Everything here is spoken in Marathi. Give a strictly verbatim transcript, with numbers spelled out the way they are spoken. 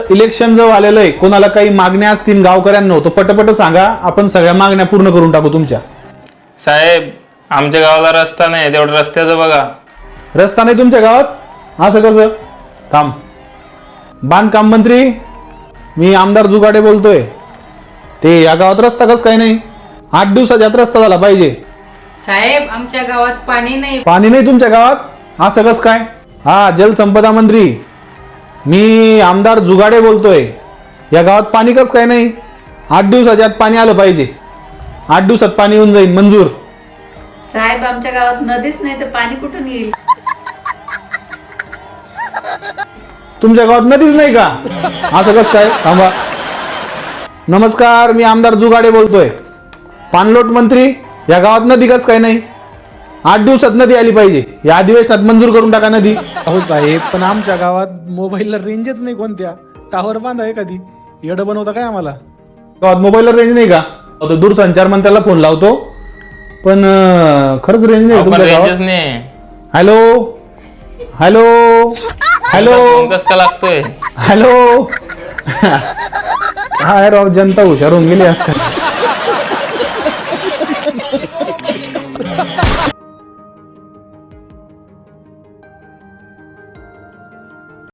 इलेक्शन जवळ आलेलं आहे, कोणाला काही मागण्या असतील गावकऱ्यांना तो पटपट सांगा, आपण सगळ्या मागण्या पूर्ण करून टाकू तुमच्या. साहेब आमच्या गावाला रस्ता नाही, तेवढं रस्त्याचं बघा. रस्ता नाही तुमच्या गावात? असं कसं? थांब. बांधकाम मंत्री मी आमदार जुगाडे बोलतोय. ते या गावात रस्ता कसं काय नाही? आठ दिवसाच्या आत रस्ता झाला पाहिजे. साहेब आमच्या गावात पाणी नाही. पाणी नाही तुमच्या गावात? असं कसं काय? हा जलसंपदा मंत्री मी आमदार जुगाडे बोलतोय. या गावात पाणी कसं काय नाही? आठ दिवसाच्या आत पाणी आलं पाहिजे. आठ दिवसात पाणी येऊन जाईल मंजूर. साहेब आमच्या गावात नदीच नाही तर पाणी कुठून येईल? तुमच्या गावात नदीच नाही का? असं कसं काय? थांबा. नमस्कार, मी आमदार जुगाडे बोलतोय. पाणलोट मंत्री या गावात नदी कसं काय नाही? आठ दिवसात नदी आली पाहिजे. या अधिवेशनात मंजूर करून टाका नदी. अहो साहेब, पण आमच्या गावात मोबाईलला रेंजच नाही. कोणत्या टावर बांधा एखादी. येडं बनवता काय आम्हाला? गावात मोबाईलला रेंज नाही का? तो दूरसंचार मंत्र्याला फोन लावतो, पण अं, खरंच रेंज नाही तुमच्या रेंजच गावात. नाही. हॅलो हॅलो हॅलो कसं का लागतोय? हॅलो. काय राव, जनता हुशार होऊन गेली आजकाल.